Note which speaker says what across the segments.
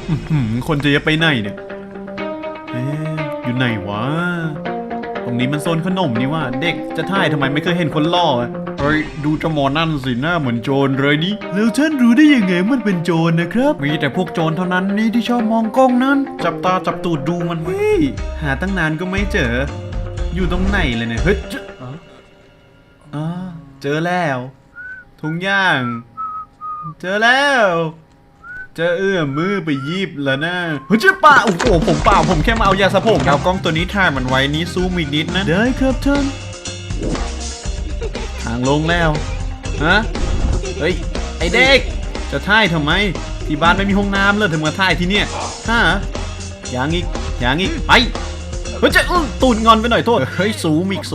Speaker 1: คนจะไปไหนเนี่ยอยู่ไหนวะตรงนี้มันโซนขนมนี่ว่าเด็กจะถ่ายทำไมไม่เคยเห็นคนล่อเฮ้ยดูเจ้าหมอนั่นสิหน้าเหมือนโจรเลยนี่แล้วท่านรู้ได้ยังไงมันเป็นโจรนะครับมีแต่พวกโจรเท่านั้นนี่ที่ชอบมองกล้องนั้นจับตาจับตูดดูมันหาตั้งนานก็ไม่เจออยู่ตรงไหนเลยเนี่ยเฮ้ยเจอแล้วทุงย่างเจอแล้วจะเอื้อมมือไปยิบแล้วนะเฮ้ยเจ้าป่าโอ้โหผมเปล่าผมแค่มาเอายาสระผมเอากล้องตัวนี้ถ่ายมันไว้นี้ซูมอีกนิดนะได้ครับท่านทางลงแล้วฮะเฮ้ยไอเด็กจะถ่ายทำไมที่บ้านไม่มีห้องน้ำเลยถึงมาถ่ายที่เนี่ยฮะอย่างอีกไปเฮ้ยจะตูดงอนไปหน่อยโทษเฮ้ยสูมอีก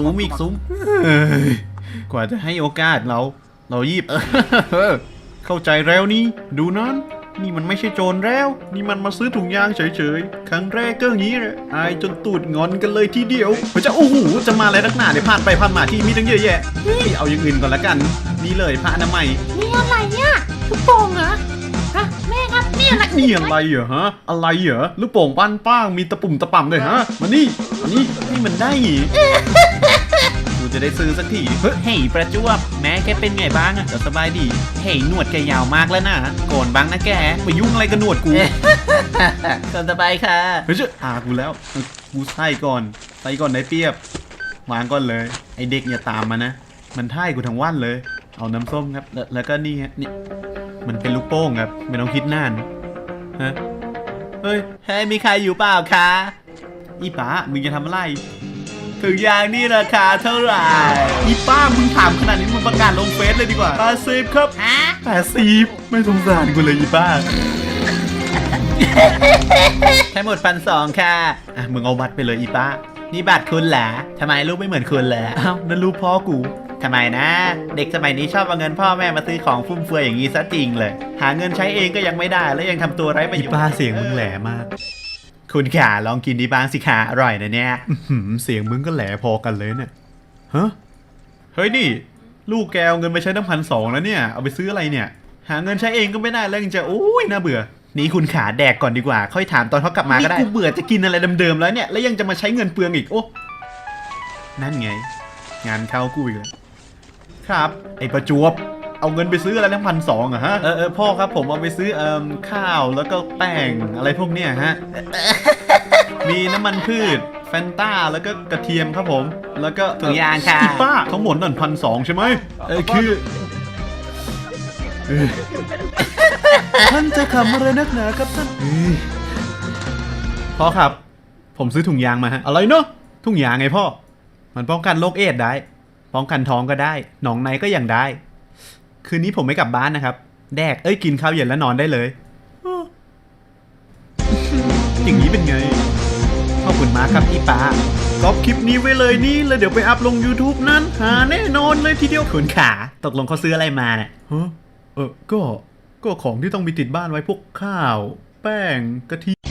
Speaker 1: กว่าจะให้โอกาสเรายิบเข้าใจแล้วนี่ดูนั้นนี่มันไม่ใช่โจรแล้วนี่มันมาซื้อถุงยางเฉยๆครั้งแรกก็อย่างนี้แหละอายจนตูดงอนกันเลยทีเดียวเฮ้ยจะโอ้โหจะมาอะไรนักหนาเดี๋ยวผ่านไปผ่านมาที่มีตั้งเยอะแยะเอาอย่างอื่นก่อนละกันนี่เลยผ้าอนามัย
Speaker 2: นี่อะไรเนี่ยลูกโป่งเหรอฮะแม่ครับนี่อะไร
Speaker 1: นี่อะไรเหรอฮะอะไรเหรอลูกโป่งปั้นป้างมีตะปุ่มตะป่ำเลยฮะมานี่มันได้หีกูจะได้ซื้อสักทีเฮ้ยประจวบแม่แกเป็นไงบ้างอะสบายดีเฮ้ยหนวดแกยาวมากแล้วนะโกนบ้างนะแกไปยุ่งอะไรกับหนวดกู
Speaker 2: สบายค่ะ
Speaker 1: เฮ้ยกูแล้วกูใส่ก่อนได้เปรียบวางก่อนเลยไอเด็กอย่าตามมานะมันท่ายกูทั้งวันเลยเอาน้ำส้มครับแล้วก็นี่ฮะนี่มันเป็นลูกโป่งครับไม่ต้องคิดนานฮะเฮ้ยมีใครอยู่เปล่าคะอีป๋ามึงจะทำอะไรถึงอย่างนี้ราคาเท่าไหร่อีป้ามึงถามขนาดนี้มึงประกาศลงเฟซเลยดีกว่า80ครับ
Speaker 2: ฮะ
Speaker 1: 80ไม่สงสารกูเลยอีป้า
Speaker 2: แค่หมด1,200ค่ะ
Speaker 1: มึงเอาบัตรไปเลยอีป้า
Speaker 2: นี่บัตรคุณเหรอทำไมรูปไม่เหมือนคุณเลย
Speaker 1: อ้าวนั่นรูปพ่อกู
Speaker 2: ทำไมนะเด็กสมัยนี้ชอบเอาเงินพ่อแม่มาซื้อของฟุ่มเฟือยอย่างนี้ซะจริงเลยหาเงินใช้เองก็ยังไม่ได้แล้วยังทำตัวไร้ประโยชน์
Speaker 1: อีป้าเสียงมึงแหลมาก
Speaker 2: คุณขาลองกินดีบ้างสิขาอร่อยนะเนี่ย
Speaker 1: เสียงมึงก็แหลพอกันเลยเนี่ยฮะเฮ้ยนี่ลูกแกเอาเงินไปใช้ตั้ง1,200แล้วเนี่ยเอาไปซื้ออะไรเนี่ยหาเงินใช้เองก็ไม่ได้แล้วยังจะโอ้ยน่าเบื่อ
Speaker 2: นี่คุณขาแดกก่อนดีกว่าค่อยถามตอนเขากลับมาก็ได้
Speaker 1: กูเบื่อจะกินอะไรเดิมๆแล้วเนี่ยแล้วยังจะมาใช้เงินเปลืองอีกโอ้นั่นไงงานเข้ากูอีกแล้วครับไอ้ประจวบเอาเงินไปซื้ออะไรทั้ง1,200อะฮะพ่อครับผมเอาไปซื้อข้าวแล้วก็แป้งอะไรพวกเนี้ยฮะ มีน้ำมันพืชแฟนต้าแล้วก็กระเทียมครับผมแล้วก็
Speaker 2: ถุงยางค่ะ
Speaker 1: อีป้าทั้งหมดนั่น1,200ใช่ไหมคือท่านจะทำอะไรนักหนาครับท่านพ่อครับผมซื้อถุงยางมาฮะอะไรเนาะถุงยางไงพ่อมันป้องกันโรคเอดส์ได้ป้องกันท้องก็ได้หนองในก็ยังได้คืนนี้ผมไม่กลับบ้านนะครับแดกกินข้าวเย็นแล้วนอนได้เลยอย่างนี้เป็นไงขอบคุณมากครับอีป้าก๊อปคลิปนี้ไว้เลยนี่แล้วเดี๋ยวไปอัพลง YouTube นั้นหาแน่นอนเลยทีเดียว
Speaker 2: คุณขาตกลงเขาซื้ออะไรมาเนี่ย
Speaker 1: ก็ของที่ต้องมีติดบ้านไว้พวกข้าวแป้งกะทิ